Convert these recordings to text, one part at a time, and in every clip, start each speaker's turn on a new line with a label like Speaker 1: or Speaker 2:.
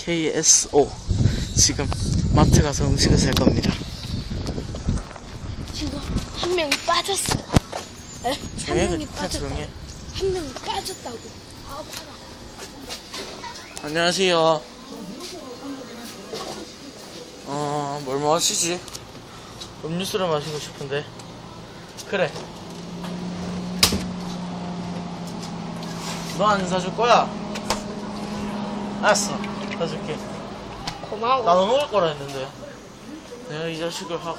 Speaker 1: KSO. 지금 마트 가서 음식을 살 겁니다.
Speaker 2: 지금 한 명이 빠졌어요. 에? 한 명이 빠졌다고. 한 명이 빠졌다고. 아, 봐라.
Speaker 1: 안녕하세요. 뭘 마시지? 음료수를 마시고 싶은데. 그래. 너 안 사줄 거야? 알았어. 사줄게.
Speaker 2: 고마워.
Speaker 1: 나도 먹을 거라 했는데. 내가 이 자식을 하고.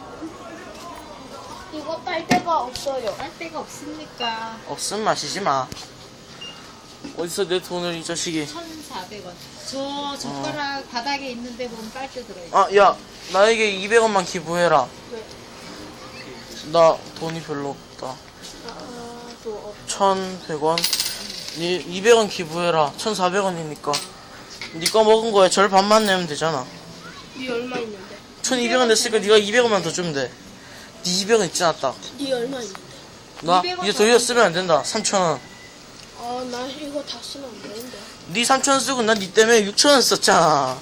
Speaker 2: 이거 빨대가 없어요.
Speaker 3: 빨대가 없습니까?
Speaker 1: 없음 마시지 마. 어디서 내 돈을 이 자식이.
Speaker 3: 1,400원. 저 젓가락 바닥에 있는데 보면 빨대 들어있어.
Speaker 1: 아, 야, 나에게 200원만 기부해라.
Speaker 2: 왜?
Speaker 1: 나 돈이 별로 없다.
Speaker 2: 또
Speaker 1: 1,100원? 200원 기부해라. 1,400원이니까. 니 거 먹은 거에 절 반만 내면 되잖아.
Speaker 2: 네 얼마 있는데?
Speaker 1: 1,200원 냈으니까 니가 200원만 더 주면 돼. 니 200원 있지 않았다.
Speaker 2: 네 얼마 있는데?
Speaker 1: 나
Speaker 3: 200원
Speaker 1: 이제 더 이상 쓰면 안 된다. 3,000원.
Speaker 2: 아, 나 이거 다 쓰면 안 되는데.
Speaker 1: 니 3,000원 쓰고 난 니 때문에 6,000원 썼잖아.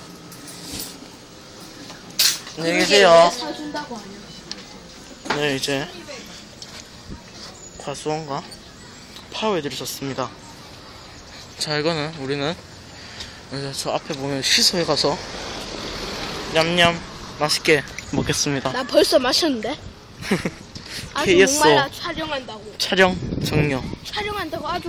Speaker 1: 안녕히 계세요.
Speaker 2: 왜 사준다고 하냐?
Speaker 1: 네, 이제 과수원과 파워웨이드를 썼습니다. 자, 이거는 우리는 이제 저 앞에 보면 시소에 가서 냠냠 맛있게 먹겠습니다.
Speaker 2: 나 벌써 마셨는데? 아주
Speaker 1: KSO
Speaker 2: 목말라 촬영한다고.
Speaker 1: 촬영 종료.
Speaker 2: 촬영한다고 아주